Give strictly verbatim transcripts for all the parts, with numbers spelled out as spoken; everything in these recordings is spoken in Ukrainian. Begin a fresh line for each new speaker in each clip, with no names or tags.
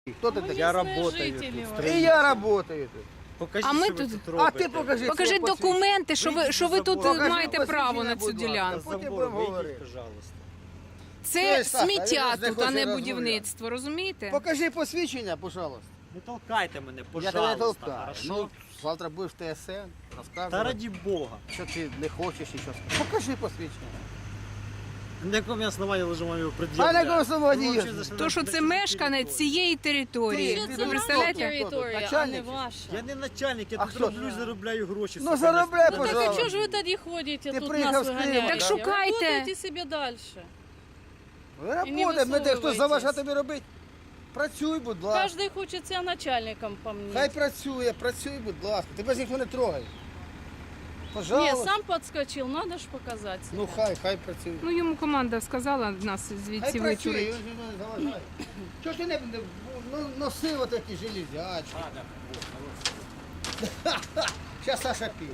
Хто ти
Мы
такий?
Я
местные
работаю
жители,
тут,
вот.
І я працюю тут.
Покажіть,
А ми
що ви
тут-
тут
А
робите.
ти покажи.
Покажіть
своє посвідчення.
документи, що ви, що ви тут
Покажи
маєте
посвідчення,
право на цю
будь ласка.
ділянку.
Потім
Забор
будемо
вийдіть,
говорити.
пожалуйста.
Це
Ой, Саша,
сміття
він ж не
тут, а
хоче
не
розмовляти.
будівництво, розумієте?
Покажи посвідчення, пожалуйста.
Не толкайте мене,
Я тебе
пожалуйста.
не толкаю.
хорошо?
Ну, завтра будеш в Т С Н,
Та
розказувати,
раді Бога.
що ти не хочеш і що. Покажи посвідчення.
На якому основанні ви його
А
пред'являєте?
на якому основанні
Ви
є?
взагалі зайшли
То,
на-
що
на
це
чужу
мешканець
територію.
цієї території.
Ти-
Що
ти
це
не
наша
знаєш,
територія, а не
начальник?
ваша.
Я не начальник, я
А
тут
хто?
роблю, заробляю гроші.
Ну,
сука,
заробляй,
не-
Ну так а
пожалуйста.
чого ж ви тоді ходите,
Ти
тут
приїхав
нас
з Києва,
виганяєте?
Так
шукайте.
Работайте себе далі.
Работай, ми де хто заважає тобі робити. Працюй, будь ласка.
Кожен хоче це начальником по мені.
Хай працює, працюй, будь ласка. Тебе ж ніхто не трогає.
Ні,
Пожалуйста.
сам підскочив, треба ж показати себе.
Ну хай, хай працює.
Ну йому команда сказала нас
Хай
звідси
працює,
вичурити.
він же не заважає. Чого ж ти не не- ну, носив отакі железячки? Зараз Саша піде.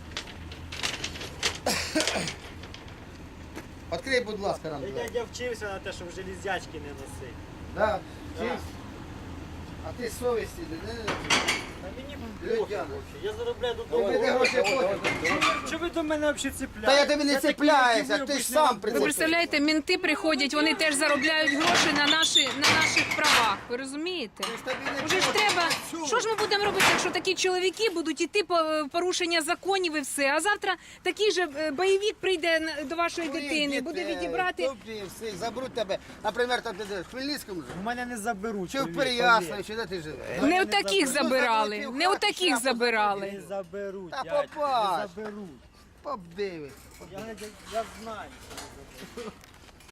Відкрий, будь ласка, нам.
Я,
двері.
я вчився на те, щоб железячки не носити.
Да, чисть. А ти совісті не не-
Та мені
Людяна.
похуй вообще. Я заробляю тут
Тобі де гроші платять?
Що ви до мене взагалі цепляєте?
Та я тобі не
Це такі,
цепляюся,
які ви
ти ж
обичні
сам
робите.
при-
Ви представляєте, мінти приходять, вони теж заробляють гроші на, наші, на наших правах. Ви розумієте? Уже ж треба. Що ж ми будемо робити, якщо такі чоловіки будуть іти по е, порушення законів і все? А завтра такий же е, бойовик прийде на- до вашої дитини, буде відібрати.
Всіх заберуть тебе. Наприклад, там ти де, в Хмельницькому живеш?
У мене не заберуть.
Чи в
повір,
Переяславі,
повір.
чи де ти живеш?
Не
не
у таких
заберуть.
забирали,
Ну,
не у таких
Не
забирали.
заберуть,
Та
дядько,
попасть.
не заберуть.
Подивись.
Я, я, я знаю.